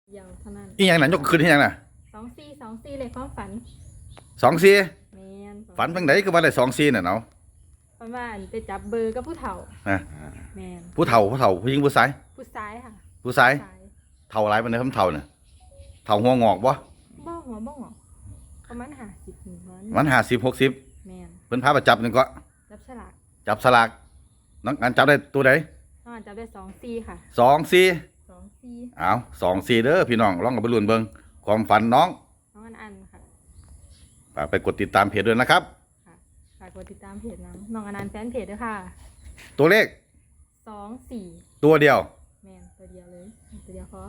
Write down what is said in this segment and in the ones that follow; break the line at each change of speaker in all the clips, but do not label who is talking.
เดียวเท่านั้น
อีหยังน่ะยกขึ้นอีหยังน่ะ
24เลยความฝัน
24
แม่น
ฝันจังไดก็ว่าได้24น่ะเนาะ
ประมาณไปจับเบอร์กับผู้เฒ่า
ฮะ
แม่น
ผู้เฒ่าผู้หญิงผู้ชาย
ผู้ซ้ายค่ะ
ผู้ชายเฒ่าหลายปานใดคำเฒ่าน่ะเฒ่าหัวงอกบ่
บ่หัวบ่งอกประมาณ50ถึง
มัน50 60
แม่น
เพิ่นพาไปจับนึงก็
จับฉลาก
จับสลากน้องอันจับได้ตัวใด
จับได้24ค่ะ
24อ้าว24เด้อพี่น้องลองเอาไปลุ้นเบิ่งความฝันน้อง
อันค่ะ
ฝากไปกดติดตามเพจด้วยนะครับ
ค่ะฝากกดติดตามเพจน้องอนันต์แฟนเพจด้วยค่ะ
ตัวเลข
24
ตัวเดียว
แม่นตัวเดียวเลยตัวเดียวพอ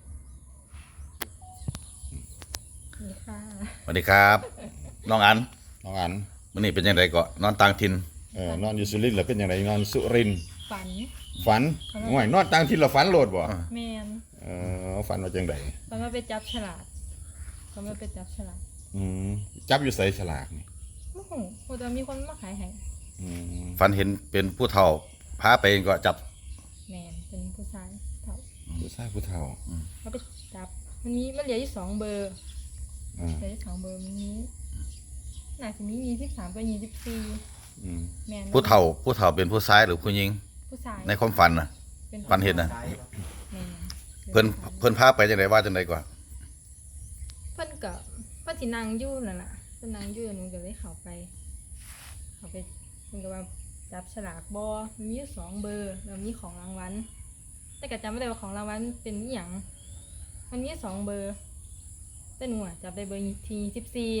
นี่ค่ะ
สวัสดีครับน้องอัน
มื้อ
นี้เป็นจังไดก็นอนต่างถิ่น
นอนอยู่สุรินทร์แล้วเป็นจังไดนอนสุรินทร์
ฝัน
ง่วยนอนต่างถิ่นแล้วฝันโลดบ่
แม่น
ฝันว่าจังได
ฝันว่าไปจับฉลากเขามาไปจับฉลาก
จับอยู่ไสฉลากนี่
โอ้โหว่าจะมีคนมาขายให้
ฝันเห็นเป็นผู้เฒ่าพาไปก็จับ
แม่นเป็นผู้ชายเฒ่า
ผู้เฒ่า
เขาไปจับมันเหลืออยู่2เบอร์เหลืออยู่2เบอร์มันนี้น่าจะมี23กับ24แม่น
ผู้เฒ่าเป็นผู้ชายหรือผู้หญิง
ผู้ชาย
ในความฝันน่ะฝันเห็นน่ะเพิ่นพาไปจังไดว่าจังไดก่อน
เพิ่นสินั่งอยู่นั่นน่ะเพิ่นนั่งอยู่หนูก็เลยเข้าไปเพิ่นก็ว่าจับฉลากบ่มันมีอยู่2เบอร์แล้วมีของรางวัลแต่ก็จำไม่ได้ว่าของรางวัลเป็นอีหยังมันมี2เบอร์แต่หนูจับได้เบอร์ที่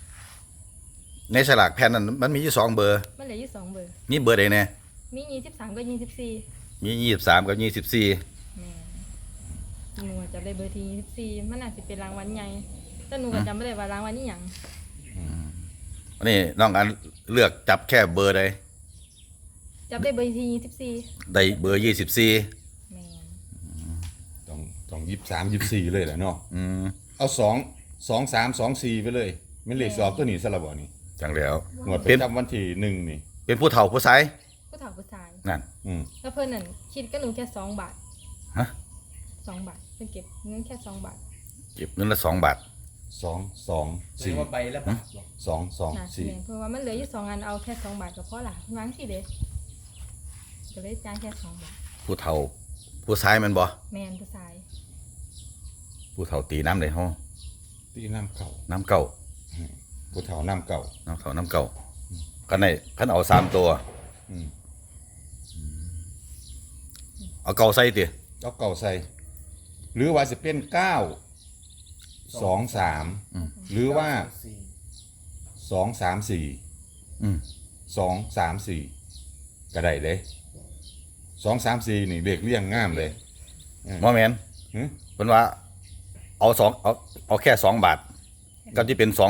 24
ในฉลากแผ่นนั้นมันมีอยู่2เบอร์
มันเหลืออยู่2เบอร์
มีเบอร์ใดแน่
มี23กับ24
มี23กับ24
แม่หนูจับได้เบอร์ที่24มันน่าสิเป็นรางวัลใหญ่แต่หนูก็จำไม่ได้ว่ารางวัลอีหยัง
อันนี้น้องอันเลือกจับแค่เบอร์ใด
จับได้เบอร์ที่24
ได้เบอร์24
แม่
ต้อง23 24เลยแหละเนาะเอา2 2 3 2 4ไปเลยแม่นเลขสอบตัวนี้ซะละบ่นี่
จังแล้ว
งวดประจำวันที่1นี่
เป็นผู้เฒ่าผู้ชาย
ผู้ชาย
นั่น
แล้วเพิ่นนั่นคิดกับหนูแค่2 บาท
ฮะ
2 บาทเพิ่นเก็บเงินแค่2 บาท
เก็บเงินละ2 บาท
2 4
ว่าใบละบาท
2 2 4
เพราะว่ามันเหลืออยู่2อันเอาแค่2 บาทก็พอละวางสิเด้ก็เลยจ่ายแค่2 บาท
ผู้เฒ่าผู้ชายมันบ่
แม่นผู้ชาย
ผู้เฒ่าตีน้ำได้ฮ้อ
ตีน้ำเก่าผู้เฒ่าน้ำเก่ากันได้คันเอา3ตัว
เอาเก่าใส่ติ
เอาเก่าใส่หรือว่าสิเป็น9 2 3หรือว่า2 3 4 2 3 4ก็ได้เลย2 3 4นี่เลขเรียงงามเลย
บ่แม่นเพิ่นว่าเอาแค่2 บาทก็สิเป็น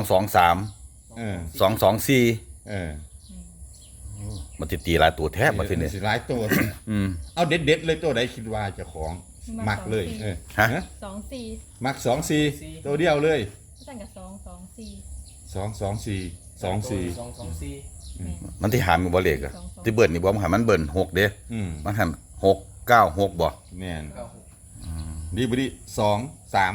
223224มันสิตีหลายตัวแท้บ่ทีนี้
สิหลายตัวเอาเด็ดๆเลยตัวใดคิดว่าเจ้าของมักเลย
ฮะ
24
มัก24ตัวเดียวเลย
สั่งกับ
224
มันที่หามบ่เลขอ่ะที่เบิ่นนี่บ่มันหามันเบิ่น6เด้มันหัน6 9 6บ่
แม่นดีบ่ดี2 3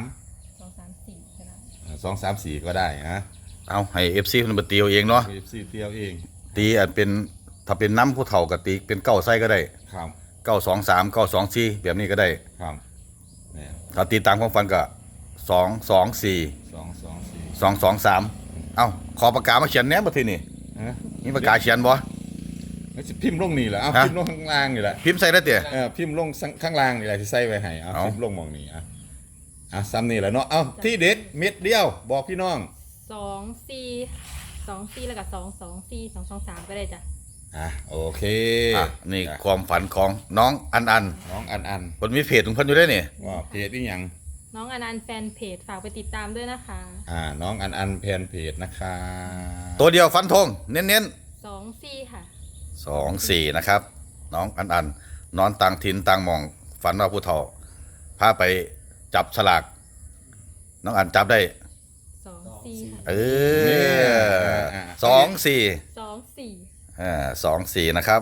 2 3 4ก็ได้นะ
เอาให้ FC เพิ่นบ่ตีเอาเองเนาะ
FC เตียวเอง
ตีอาจเป็นถ้าเป็นน้ำผู้เฒ่าก็ตีเป็น9ไส้ก็ได้
ครับ
923 924แบบนี้ก็ได้
ครับเนี่ย
ถ้าตีตามความฝันก็224 223เอ้าขอปากกามาเขียนแหน่บ่ทีนี่มีปากกาเขียนบ่
มันสิพิมพ์ลงนี่แหละพิมพ์ลงข้างล่างนี่แหละ
พิมพ์ใส่ได้เด้
พิมพ์ลงข้างล่างนี่แหละสิใส่ไว้ให้พิมพ์ลงหม่องนี้ซ้ำนี่แหละเนาะที่เด็ดเม็ดเดียวบอกพี่น้อง
24แล้วก็224 223ก็ได้จ้ะ
โอเค
นี่ความฝันของน้องอันเพิ่นมีเพจของเพิ่นอยู่ได้นี่
ว่าเพจอีหยัง
น้องอนันต์แฟนเพจฝากไปติดตามด้วยนะคะ
น้องอันแฟนเพจนะคะ
ตัวเดียวฟันธงเน้น
24ค่ะ
24นะครับน้องอันนอนต่างถิ่นต่างหม่องฝันว่าผู้เฒ่าพาไปจับฉลากน้องอันจับได้24นะครับ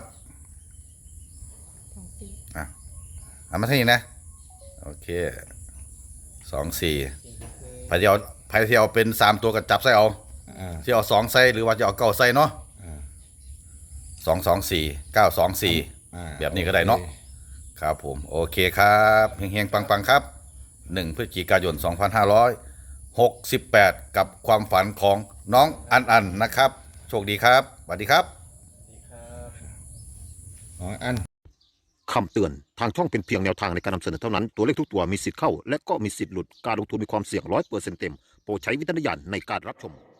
เอามาที่นี่นะโอเคไผที่เอาเป็น3ตัวก็จับใส่เอา
อ่า
ที่เอา2ใส่หรือว่าจะเอา9ใส่เนาะ
อ่า
224 924
อ่า
แบบนี้ก็ได้เนาะ ครับผมโอเคครับเฮงๆปังๆครับ1พฤศจิกายน2568กับความฝันของน้องอันนะครับโชคดีครับสวัสดีครับ
อ๋ออัน
คำเตือน ทางช่องเป็นเพียงแนวทางในการนำเสนอเท่านั้น ตัวเลขทุกตัวมีสิทธิ์เข้า และก็มีสิทธิ์หลุด การลงทุนมีความเสี่ยง100%เต็ม โปรดใช้วิจารณญาณในการรับชม